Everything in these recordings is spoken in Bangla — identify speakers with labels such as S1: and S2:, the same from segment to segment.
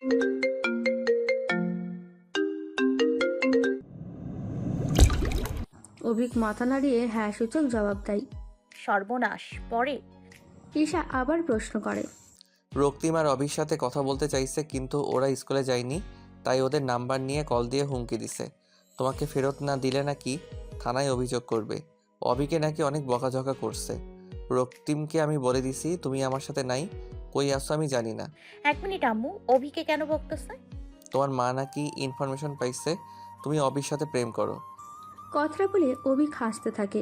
S1: অভিক মাথা নাড়িয়ে হ্যাঁ সূচক জবাব দেয়।
S2: সর্বনাশ পরে।
S1: ঈশা আবার প্রশ্ন করে।
S3: রক্তিম আর অভির সাথে কথা বলতে চাইছে, কিন্তু ওরা স্কুলে যায়নি, তাই ওদের নাম্বার নিয়ে কল দিয়ে হুমকি দিছে তোমাকে ফেরত না দিলে নাকি থানায় অভিযোগ করবে। অভিকে নাকি অনেক বকাঝকা করছে। রক্তিমকে আমি বলে দিছি তুমি আমার সাথে নাই, কই আসছো আমি জানি না।
S2: 1 মিনিট আম্মু, অভিকে কেন বকতেছে?
S3: তোমার মা নাকি ইনফরমেশন পাইছে তুমি অভির সাথে প্রেম করো।
S1: কথাটা বলে অভিক হাসতে থাকে।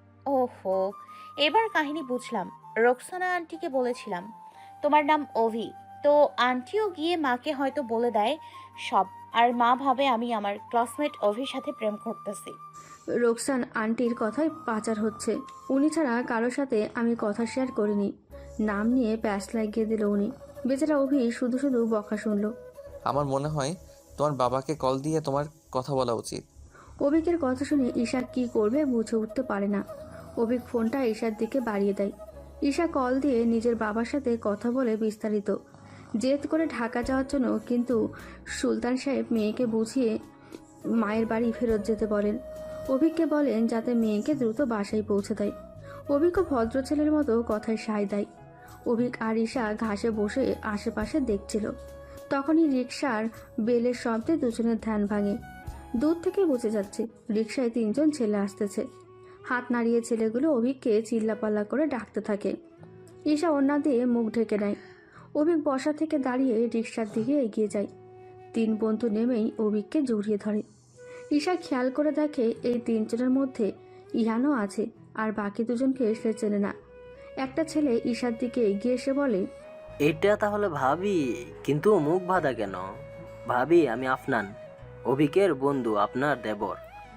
S2: ওহো, এবার কাহিনী বুঝলাম। রোকসানা আন্টিকে বলেছিলাম তোমার নাম অভি, তো আন্টিও গিয়ে মাকে হয়তো বলে দেয় সব, আর মা ভাবে আমি আমার ক্লাসমেট অভির সাথে প্রেম করতেছি।
S1: রোকসান আন্টির কথায় পাচার হচ্ছে। উনি ছাড়া কারোর সাথে আমি কথা শেয়ার করিনি। নাম নিয়ে প্যাচ লাগিয়ে দিল উনি। বেচারা অভি শুধু শুধু বকা শুনল।
S3: আমার মনে হয় তোমার বাবাকে কল দিয়ে তোমার কথা বলা উচিত।
S1: অভিকের কথা শুনে ঈশা কি করবে বুঝে উঠতে পারে না। অভিক ফোনটা ঈশার দিকে বাড়িয়ে দেয়। ঈশা কল দিয়ে নিজের বাবার সাথে কথা বলে বিস্তারিত। জেদ করে ঢাকা যাওয়ার জন্য, কিন্তু সুলতান সাহেব মেয়েকে বুঝিয়ে মায়ের বাড়ি ফেরত যেতে বলেন। অভিককে বলেন যাতে মেয়েকে দ্রুত বাসায় পৌঁছে দেয়। অভিকও ভদ্র ছেলের মতো কথায় সায় দেয়। অভিক আর ঈশা ঘাসে বসে আশেপাশে দেখছিল। তখনই রিকশার বেলের শব্দে দুজনের ধ্যান ভাঙে। দূর থেকে বোঝা যাচ্ছে রিকশায় 3 জন ছেলে আসতেছে। হাত নাড়িয়ে ছেলেগুলো অভিককে চিল্লাপাল্লা করে ডাকতে থাকে। ঈশা ওড়না দিয়ে মুখ ঢেকে নেয়। অভিক বসা থেকে দাঁড়িয়ে রিকশার দিকে এগিয়ে যায়। 3 বন্ধু নেমেই অভিককে জড়িয়ে ধরে। ঈশা খেয়াল করে দেখে এই 3 জনের মধ্যে ইহানও আছে, আর বাকি দুজনকে সে চেনে না। একটা ছেলে ঈশার দিকে এগিয়ে এসে বলে,
S4: এটা তাহলে ভাবি, কিন্তু মুখ বাঁধা কেন? ভাবি, আমি আফনান, অভিকের বন্ধু, আপনার দেবর।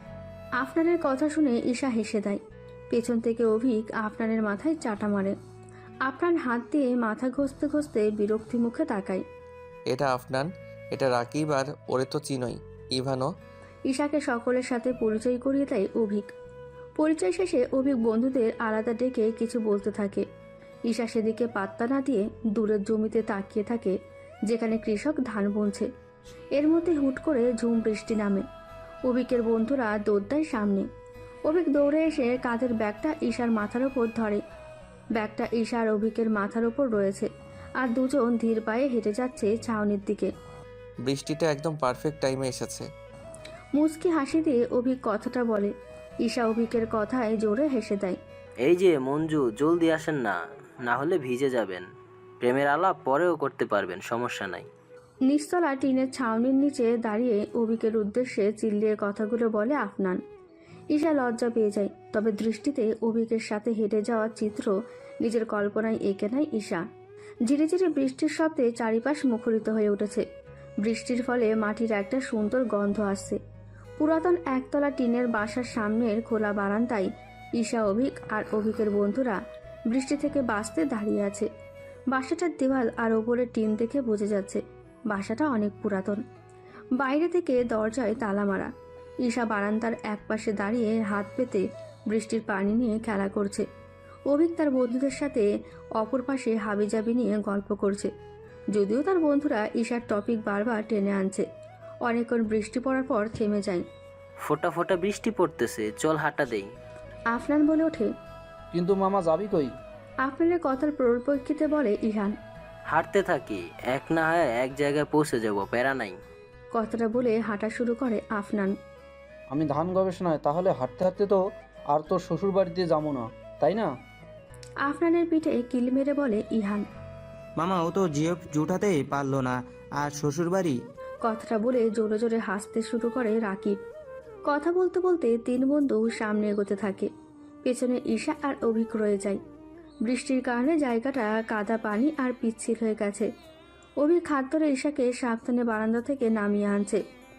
S1: আফনানের কথা শুনে ঈশা হেসে দেয়। পেছন থেকে অভিক আফনানের মাথায় চাটা মারে। আফনান হাত দিয়ে মাথা ঘষতে ঘষতে বিরক্তি মুখে তাকায়।
S3: এটা আফনান, এটা রাকিব, আর ওরে তো চিনই, ইভানো।
S1: ঈশাকে সকলের সাথে পরিচয় করিয়ে দেয় অভিক। পরিচয় শেষে অভিক বন্ধুদের আলাদা ডেকে কিছু বলতে থাকে। ঈশা সেদিকে পাত্তা না দিয়ে দূরের জমিতে তাকিয়ে থাকে, যেখানে কৃষক ধান বুনছে। এর মধ্যে হুট করে ঝুম বৃষ্টি নামে। অভিকের বন্ধুরা দৌড় দেয় সামনে। অভিক দৌড়ে এসে কাঁধের ব্যাগটা ঈশার মাথার ওপর ধরে। ব্যাগটা ঈশা আর অভিকের মাথার ওপর রয়েছে, আর দুজন ধীর পায়ে হেঁটে যাচ্ছে ছাউনির দিকে।
S3: বৃষ্টিটা একদম পারফেক্ট টাইমে এসেছে।
S1: মুচকি হাসি দিয়ে অভিক কথাটা বলে। ঈশা অভিকের কথায় জোরে হেসে দেয়।
S4: এই যে মঞ্জু, জলদি আসেন না, না হলে ভিজে যাবেন। প্রেমের আলাপ পরেও করতে পারবেন, সমস্যা নাই।
S1: নিচতলা টিনের ছাউনির নিচে দাঁড়িয়ে অভিকের উদ্দেশ্যে চিল্লিয়ে কথাগুলো বলে আফনান। ঈশা লজ্জা পেয়ে যায়, তবে দৃষ্টিতে অভিকের সাথে হেঁটে যাওয়ার চিত্র নিজের কল্পনায় এঁকে নেয় ঈশা। ধীরে ধীরে বৃষ্টির শব্দে চারিপাশ মুখরিত হয়ে উঠেছে। বৃষ্টির ফলে মাটির একটা সুন্দর গন্ধ আসছে। পুরাতন একতলা টিনের বাসার সামনের খোলা বারান্দায় ঈশা, অভিক আর অভিকের বন্ধুরা বৃষ্টি থেকে বাঁচতে দাঁড়িয়ে আছে। বাসাটার দেওয়াল আর ওপরের টিন দেখে বোঝা যাচ্ছে বাসাটা অনেক পুরাতন। বাইরে থেকে দরজায় তালা মারা। ঈশা বারান্দার একপাশে দাঁড়িয়ে হাত পেতে বৃষ্টির পানি নিয়ে খেলা করছে। অভিক তার বন্ধুদের সাথে অপর পাশে হাবিজাবি নিয়ে গল্প করছে, যদিও তার বন্ধুরা ঈশার টপিক বারবার টেনে আনছে। অনেকক্ষণ বৃষ্টি পড়ার পর থেমে যায়।
S4: ফোঁটা ফোঁটা বৃষ্টি পড়তেছে, চল হাঁটা দেই।
S1: আফনান বলে ওঠে।
S5: কিন্তু মামা যাবি কই?
S1: আফনানের কথার পরিপ্রেক্ষিতে বলে ইহান।
S4: হাঁটতে থাকি, এক না হয় এক জায়গায় পৌঁছে যাব, প্যারা নাই।
S1: কথাটা বলে হাঁটা শুরু করে আফনান।
S5: আমি ধান গবেষণায়, তাহলে হাঁটতে হাঁটতে তো আর তোর শ্বশুর বাড়িতে যাবো না, তাই না?
S1: আফনানের পিঠে কিল মেরে বলে ইহান।
S6: মামা ও তো জিএফ জুটাতেই পারলো না, আর শ্বশুরবাড়ি।
S1: কথাটা বলে জোরে জোরে হাসতে শুরু করে রাকিব। কথা বলতে বলতে 3 বন্ধু সামনে এগোতে থাকে। পেছনে ঈশা আর অভিক রয়ে যায়। বৃষ্টির কারণে জায়গাটা কাদা পানি আর পিচ্ছিল হয়ে গেছে। অভিক হাত ধরে ঈশাকে সাবধানে বারান্দা থেকে নামিয়ে আনছে।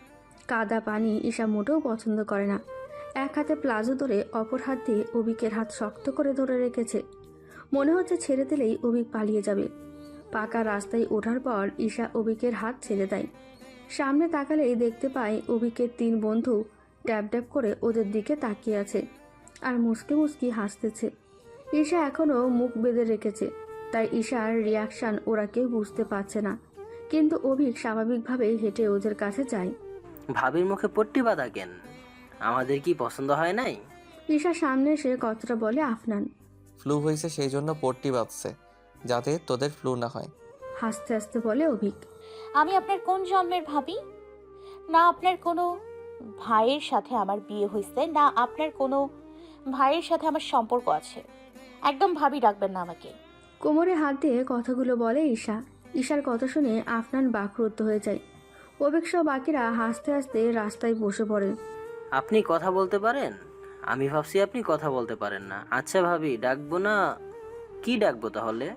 S1: কাদা পানি ঈশা মোটেও পছন্দ করে না। এক হাতে প্লাজো ধরে অপর হাত দিয়ে অভিকের হাত শক্ত করে ধরে রেখেছে। মনে হচ্ছে ছেড়ে দিলেই অভিক পালিয়ে যাবে। পাকা রাস্তায় ওঠার পর ঈশা অভিকের হাত ছেড়ে দেয়। সামনে তাকালেই দেখতে পায় অভিকের 3 বন্ধু ড্যাব ড্যাব করে ওদের দিকে তাকিয়ে আছে আর মুসকি মুসকি হাসতেছে। ঈশা এখনও মুখ বেঁধে রেখেছে, তাই ঈশার রিয়াকশান ওরা কেউ বুঝতে পারছে না। কিন্তু অভিক স্বাভাবিকভাবেই হেঁটে ওদের কাছে যায়।
S4: ভাবির মুখে পট্টি বাঁধা কেন? আমাদের কি পছন্দ হয় নাই?
S1: ঈশার সামনে এসে কথাটা বলে আফনান।
S3: ফ্লু হয়েছে সেই জন্য পট্টি বাঁধছে, যাতে তোদের ফ্লু না হয়।
S1: হাসতে হাসতে বলে অভিক।
S2: আমি আপনার কোন জন্মের ভাবি? না আপনার কোনো ভাইয়ের সাথে আমার বিয়ে হয়েছে, না আপনার কোনো ভাইয়ের সাথে আমার সম্পর্ক আছে। একদম ভাবি ডাকবেন না আমাকে।
S1: কোমরে হাত দিয়ে কথাগুলো বলে ঈশা। ঈশার কথা শুনে আফনান বাকরুদ্ধ হয়ে যায়। অভিক সহ বাকিরা হাসতে হাসতে রাস্তায় বসে পড়ে।
S4: আপনি কথা বলতে পারেন? আমি ভাবছি আপনি কথা বলতে পারেন না। আচ্ছা ভাবি ডাকবো না? কি ডাকবো তাহলে?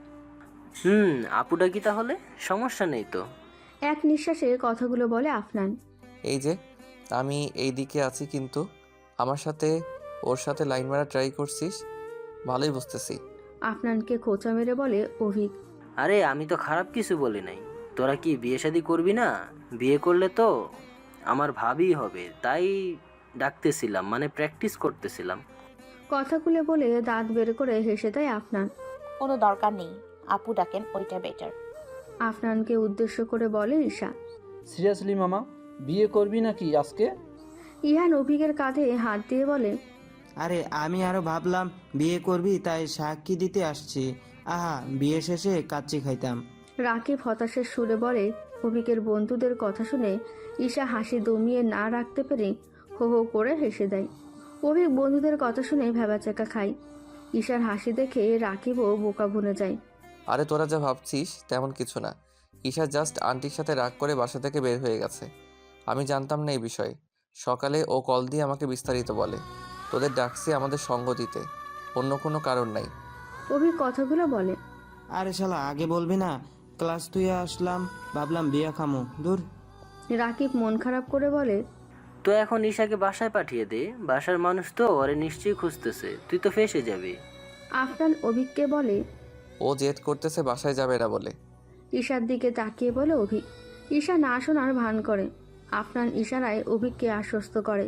S4: আপু ডাকি তাহলে? সমস্যা নেই তো।
S1: এক নিঃশ্বাসে কথাগুলো বলে আফনান।
S3: এই যে আমি এই দিকে আছি, কিন্তু আমার সাথে ওর সাথে লাইন মারা ট্রাই করছিস, ভালোই বুঝতেছি।
S1: আফনানকে খোঁচা মেরে বলে অভিক।
S4: আরে আমি তো খারাপ কিছু বলি নাই। তোরা কি বিয়ে শাদী করবি না? বিয়ে করলে তো আমার ভাবি হবে, তাই ডাকতেছিলাম, মানে প্র্যাকটিস করতেছিলাম।
S1: কথাগুলো বলে দাঁত বের করে হেসে দেয় আফনান।
S2: কোনো দরকার নেই, আপু ডাকেন, ওইটা বেটার।
S1: আফনানকে উদ্দেশ্য করে বলে ঈশা।
S5: সিরিয়াসলি মামা, বিয়ে করবি নাকি আজকে?
S1: ইহান অভিকের কাঁধে হাত দিয়ে বলে।
S6: আরে আমি আরো ভাবলাম বিয়ে করবি, তাই সাক্ষী দিতে আসছি। আহা, বিয়ে শেষে কাচ্চি খাইতাম।
S1: রাকিব হতাশের সুরে বলে। অভিকের বন্ধুদের কথা শুনে ঈশা হাসি দমিয়ে না রাখতে পেরে হো হো করে হেসে দেয়। অভিক বন্ধুদের কথা শুনে ভ্যাবাচাকা খায়। ঈশার হাসি দেখে রাকিবও বোকা বনে যায়।
S3: আরে তোরা যা ভাবছিস তেমন কিছু না। ঈশা জাস্ট আন্টির সাথে রাগ করে বাসা থেকে বের হয়ে গেছে। আমি জানতাম না এই বিষয়ে। সকালে ও কল দিয়ে আমাকে বিস্তারিত বলে। তোদের ডাকছি আমাদের সঙ্গ দিতে, অন্য কোনো কারণ নাই।
S1: অভিক কথাগুলো বলে।
S6: আরে শালা, আগে বলবি না? ক্লাস তুই আসলাম, ভাবলাম বিয়ে খামো, দূর।
S1: রাকিব মন খারাপ করে বলে।
S4: তো এখন ঈশাকে বাসায় পাঠিয়ে দে, বাসার মানুষ তো ওরে নিশ্চয়ই খুঁজতেছে, তুই তো ফেসে যাবি।
S1: আফনান অভিককে বলে।
S3: ও জেদ করতেছে বাসায় যাবে না বলে।
S1: ঈশার দিকে তাকিয়ে বলে অভিক। ঈশা না শোনার ভান করে। আফনান ইশারায় অভিককে আশ্বস্ত করে।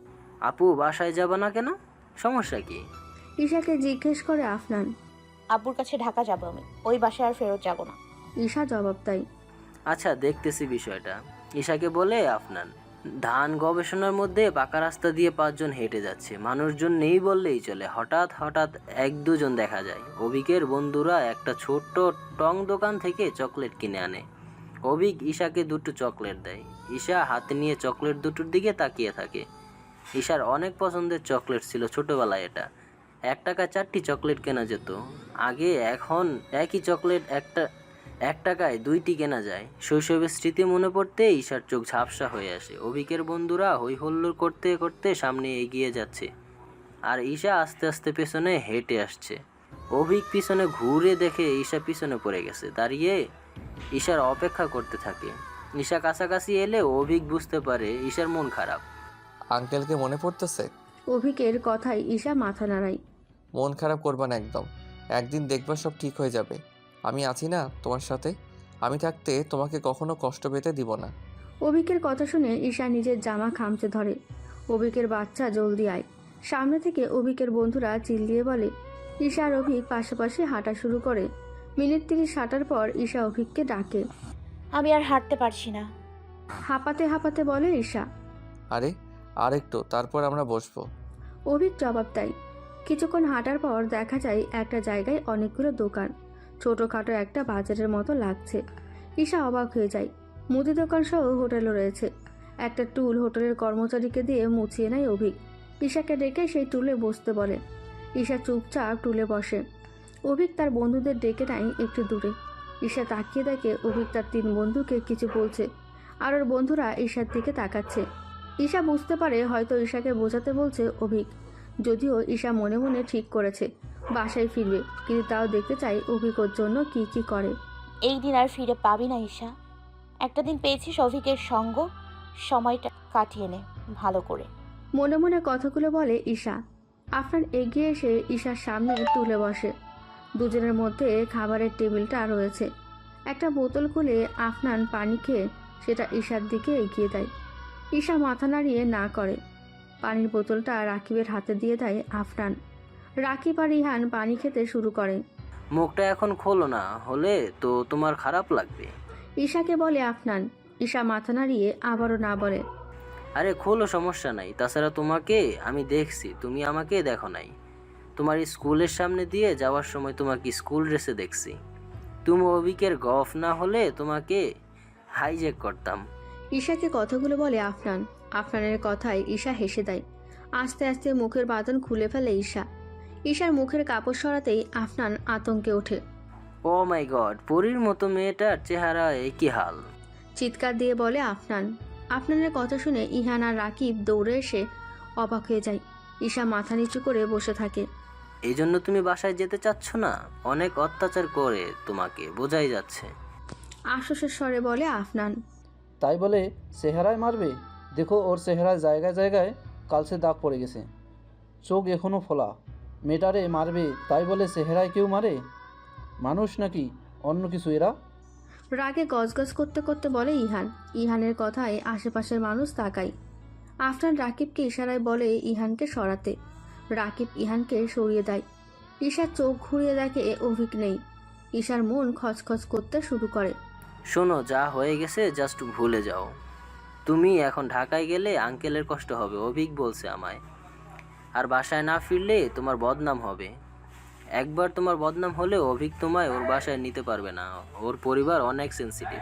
S4: আপু বাসায় যাবা না কেন? সমস্যা কি?
S1: ঈশাকে জিজ্ঞেস করে আফনান।
S2: আব্বুর কাছে ঢাকা যাবো আমি, ওই বাসায় আর ফেরত যাব না।
S1: ঈশা জবাব দেয়।
S4: আচ্ছা দেখতেছি বিষয়টা। ঈশাকে বলে আফনান। ধান গবেষণার মধ্যে পাকা রাস্তা দিয়ে 5 জন হেঁটে যাচ্ছে, মানুষজন নেই বললেই চলে। হঠাৎ হঠাৎ 1-2 জন দেখা যায়। অভিকের বন্ধুরা একটা ছোট্ট টং দোকান থেকে চকলেট কিনে আনে। অভিক ঈশাকে 2টো চকলেট দেয়। ঈশা হাতে নিয়ে চকলেট দুটোর দিকে তাকিয়ে থাকে। ঈশার অনেক পছন্দের চকলেট ছিল ছোটবেলায় এটা। 1 টাকায় 4টি চকলেট কেনা যেত আগে, এখন একই চকলেট 1 টাকায় 2টি কেনা যায়। শৈশবের স্মৃতি মনে পড়তে ঈশার চোখ ঝাপসা হয়ে আসে। অভিকের বন্ধুরা হই হল্লোড় করতে করতে সামনে এগিয়ে যাচ্ছে, আর ঈশা আস্তে আস্তে পেছনে হেঁটে আসছে। অভিক পিছনে ঘুরে দেখে ঈশা পিছনে পড়ে গেছে। দাঁড়িয়ে ঈশার অপেক্ষা করতে থাকে। ঈশা কাছাকাছি এলে অভিক বুঝতে পারে ঈশার মন খারাপ।
S3: আঙ্কেলকে মনে পড়তেছে?
S1: অভিকের কথায় ঈশা মাথা নাড়ায়।
S3: মন খারাপ করবা না একদম। একদিন দেখবা সব ঠিক হয়ে যাবে। আমি আছি না তোমার সাথে? আমি থাকতে তোমাকে কখনো কষ্ট পেতে দিব না।
S1: অভিকের কথা শুনে ঈশা নিজের জামা খামচে ধরে। অভিকের বাচ্চা জলদি আয়। সামনে থেকে অভিকের বন্ধুরা চিল্লিয়ে বলে। ঈশা আর অভিক পাশাপাশি হাঁটা শুরু করে। মিনিট 30 হাঁটার পর ঈশা অভিককে ডাকে।
S2: আমি আর হাঁটতে পারছি না।
S1: হাঁপাতে হাঁপাতে বলে ঈশা।
S3: আরে আর একটু, তারপর আমরা বসবো।
S1: অভিক জবাব দেয়। কিছুক্ষণ হাঁটার পর দেখা যায় একটা জায়গায় অনেকগুলো দোকান। ছোটোখাটো একটা বাজারের মতো লাগছে। ঈশা অবাক হয়ে যায়। মুদি দোকান সহ হোটেলও রয়েছে। একটা টুল হোটেলের কর্মচারীকে দিয়ে মুছিয়ে নেয় অভিক। ঈশাকে ডেকে সেই টুলে বসতে বলে। ঈশা চুপচাপ টুলে বসে। অভিক তার বন্ধুদের ডেকে নেয় একটু দূরে। ঈশা তাকিয়ে দেখে অভিক তার 3 বন্ধুকে কিছু বলছে, আর ওর বন্ধুরা ঈশার দিকে তাকাচ্ছে। ঈশা বুঝতে পারে হয়তো ঈশাকে বোঝাতে বলছে অভিক। যদিও ঈশা মনে মনে ঠিক করেছে বাসায় ফিরবে, কিন্তু তাও দেখতে চাই অভিক ওর জন্য কি কি করে।
S2: এই দিন আর ফিরে পাবি না ঈশা। একটা দিন পেয়েছিস অভিকের সঙ্গ, সময়টা কাটিয়ে নে ভালো করে।
S1: মনে মনে কথাগুলো বলে ঈশা। আফনান এগিয়ে এসে ঈশার সামনে তুলে বসে। দুজনের মধ্যে খাবারের টেবিলটা রয়েছে। একটা বোতল খুলে আফনান পানি খেয়ে সেটা ঈশার দিকে এগিয়ে দেয়। ঈশা মাথা নাড়িয়ে না করে। পানির বোতলটা রাকিবের হাতে দিয়ে দেয় আফনান। রাকিব আর ইহান পানি খেতে শুরু করে।
S4: মুখটা এখন খোলো না, হলে তো তোমার খারাপ লাগবে।
S1: ঈশাকে বলে আফনান। ঈশা মাথা নাড়িয়ে আবারও না বলে।
S4: আরে খোলো, সমস্যা নাই। তাছাড়া তোমাকে আমি দেখছি, তুমি আমাকে দেখো নাই। তোমার স্কুলের সামনে দিয়ে যাওয়ার সময় তোমাকে স্কুল ড্রেসে দেখছি। তুমি অভিকের গফ না হলে তোমাকে হাইজ্যাক করতাম।
S1: ঈশাকে কথাগুলো বলে আফনান। আফনানের কথায় ঈশা হেসে দেয়। আস্তে আস্তে মুখের বাঁধন খুলে ফেলে ঈশা। ঈশার মুখের কাপড় সরাতেই আফনান আতঙ্কে ওঠে।
S4: ও মাই গড, পরীর মতো মেয়েটার চেহারা একই হাল।
S1: চিৎকার দিয়ে বলে আফনান। আফনানের কথা শুনে ইহান আর রাকিব দৌড়ে এসে অবাক হয়ে যায়। ঈশা মাথা নিচু করে বসে থাকে।
S4: এই জন্য তুমি বাসায় যেতে চাচ্ছ না? অনেক অত্যাচার করে তোমাকে, বোঝাই যাচ্ছে।
S1: আশ্বাসের স্বরে বলে আফনান।
S5: তাই বলে চেহারায় মারবে? দেখো ওর চেহারায় জায়গায় জায়গায় কালসে দাগ পড়ে গেছে, চোখ এখনও ফোলা। মেয়েটারে মারবে তাই বলে চেহারায় কেউ মারে? মানুষ নাকি অন্য কিছু এরা?
S1: রাগে গজগজ করতে করতে বলে ইহান। ইহানের কথায় আশেপাশের মানুষ তাকায়। আফনান রাকিবকে ইশারায় বলে ইহানকে সরাতে। রাকিব ইহানকে সরিয়ে দেয়। ঈশার চোখ ঘুরিয়ে দেখে অভিক নেই। ঈশার মন খচখচ করতে শুরু করে।
S4: শোনো, যা হয়ে গেছে জাস্ট ভুলে যাও। তুমি এখন ঢাকায় গেলে আঙ্কেলের কষ্ট হবে, অভিক বলছে আমায়। আর বাসায় না ফিরলে তোমার বদনাম হবে। একবার তোমার বদনাম হলে অভিক তোমায় ওর বাসায় নিতে পারবে না। ওর পরিবার অনেক সেনসিটিভ।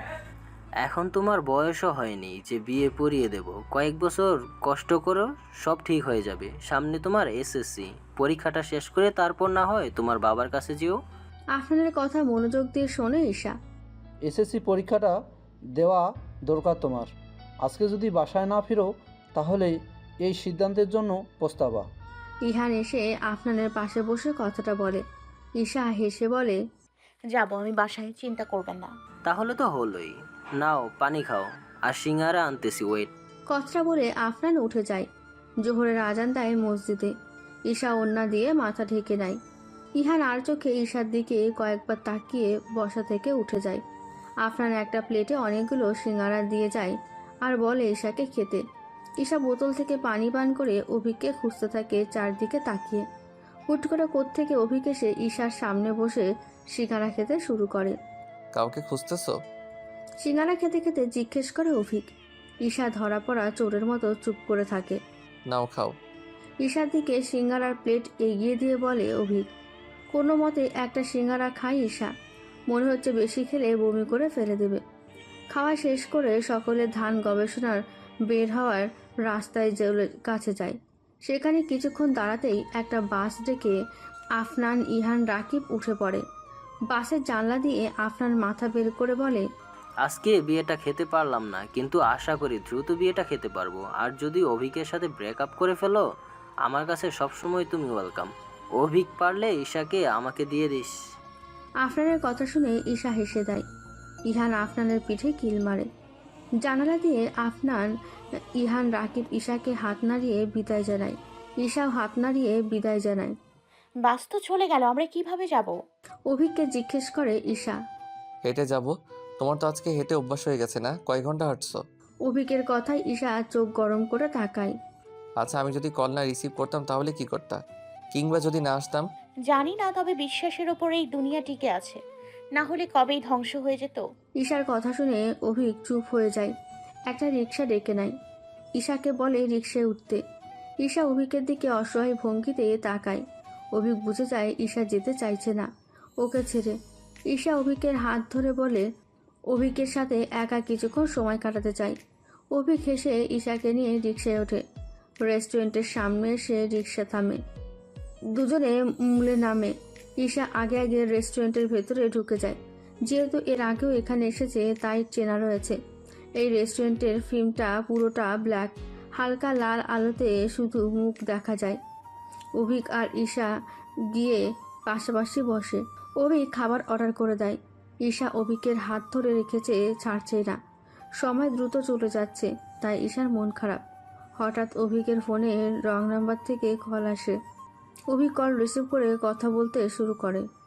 S4: এখন তোমার বয়সও হয়নি যে বিয়ে পড়িয়ে দেব। কয়েক বছর কষ্ট করো, সব ঠিক হয়ে যাবে। সামনে তোমার এসএসসি পরীক্ষাটা শেষ করে তারপর না হয় তোমার বাবার কাছে যেও।
S1: আফনানের কথা মনোযোগ দিয়ে শোনে ঈশা।
S5: এসএসসি পরীক্ষাটা দেওয়া দরকার তোমার। আজকে যদি বাসায় না ফিরো তাহলে এই সিদ্ধান্তের জন্য পস্তাবা।
S1: ইহান এসে আফনানের পাশে বসে কথাটা বলে। ঈশা হেসে বলে,
S2: যাবো আমি বাসায়, চিন্তা করবেন না।
S4: তাহলে তো হলোই। নাও পানি খাও, আর সিঙ্গারা আনতেছি, ওয়েট।
S1: কথাটা বলে আফনান উঠে যায়। জোহরের আজান দেয় মসজিদে। ঈশা ওন্না দিয়ে মাথা ঢেকে নেয়। ইহান আর চোখে ঈশার দিকে কয়েকবার তাকিয়ে বসা থেকে উঠে যায়। আফনান একটা প্লেটে অনেকগুলো সিঙ্গারা দিয়ে যায় আর বলে ঈশাকে খেতে। ঈশা বোতল থেকে পানি পান করে অভিককে খুঁজতে থাকে চারদিকে তাকিয়ে। হুট করে কোত্থেকে অভিক এসে ঈশার সামনে বসে সিঙ্গারা খেতে শুরু করে।
S3: কাউকে খুঁজতেছো?
S1: সিঙ্গারা খেতে খেতে জিজ্ঞেস করে অভিক। ঈশা ধরা পড়া চোরের মতো চুপ করে থাকে।
S3: নাও খাও।
S1: ঈশার দিকে সিঙ্গারার প্লেট এগিয়ে দিয়ে বলে অভিক। কোনো মতে একটা সিঙ্গারা খায় ঈশা। মনে হচ্ছে বেশি খেলে বমি করে ফেলে দেবে। খাওয়া শেষ করে সকলে ধান গবেষণার বের হওয়ার রাস্তায় কাছে যায়। সেখানে কিছুক্ষণ দাঁড়াতেই একটা বাস ডেকে আফনান, ইহান, রাকিব উঠে পড়ে। বাসের জানলা দিয়ে আফনান মাথা বের করে বলে,
S4: আজকে বিয়েটা খেতে পারলাম না, কিন্তু আশা করি দ্রুত বিয়েটা খেতে পারবো। আর যদি অভিকের সাথে ব্রেকআপ করে ফেলো, আমার কাছে সবসময় তুমি ওয়েলকাম। অভিক পারলে ঈশাকে আমাকে দিয়ে দিস।
S1: আফনানের কথা শুনে ঈশা হেসে দেয়। ইহান আফনানের পিঠে কিল মারে। জানালা দিয়ে আফনান, ইহান, রাকিব ঈশাকে হাত নাড়িয়ে বিদায় জানায়। ঈশাও হাত নাড়িয়ে বিদায় জানায়।
S2: বাস তো চলে গেল, আমরা কিভাবে যাব?
S1: অভিককে জিজ্ঞেস করে ঈশা।
S3: হেঁটে যাব। তোমার তো আজকে হেঁটে অভ্যাস হয়ে গেছে না? কয় ঘন্টা হাঁটছো?
S1: অভিকের কথায় ঈশা চোখ গরম করে তাকায়।
S3: আচ্ছা, আমি যদি কল না রিসিভ করতাম তাহলে কি করতা? কিংবা যদি না আসতাম?
S2: জানি না, তবে বিশ্বাসের ওপর এই দুনিয়া টিকে আছে, না হলে কবেই ধ্বংস হয়ে যেত।
S1: ঈশার কথা শুনে অভিক চুপ হয়ে যায়। একটা রিক্সা ডেকে নেয়। ঈশাকে বলে রিক্সায় উঠতে। ঈশা অভিকের দিকে অসহায় ভঙ্গিতে তাকায়। অভিক বুঝে যায় ঈশা যেতে চাইছে না ওকে ছেড়ে। ঈশা অভিকের হাত ধরে বলে অভিকের সাথে একা কিছুক্ষণ সময় কাটাতে চায়। অভিক হেসে ঈশাকে নিয়ে রিক্সায় ওঠে। রেস্টুরেন্টের সামনে এসে রিক্সা থামে। দুজনে মূলে নামে। ঈশা আগে আগে রেস্টুরেন্টের ভেতরে ঢুকে যায়। যেহেতু এর আগেও এখানে এসেছে তাই চেনা রয়েছে। এই রেস্টুরেন্টের ফিল্মটা পুরোটা ব্ল্যাক, হালকা লাল আলোতে শুধু মুখ দেখা যায়। অভিক আর ঈশা গিয়ে পাশাপাশি বসে। অভিক খাবার অর্ডার করে দেয়। ঈশা অভিকের হাত ধরে রেখেছে, ছাড়ছেই না। সময় দ্রুত চলে যাচ্ছে, তাই ঈশার মন খারাপ। হঠাৎ অভিকের ফোনে রং নাম্বার থেকে কল আসে। অভিক কল রিসিভ করে কথা বলতে শুরু করে।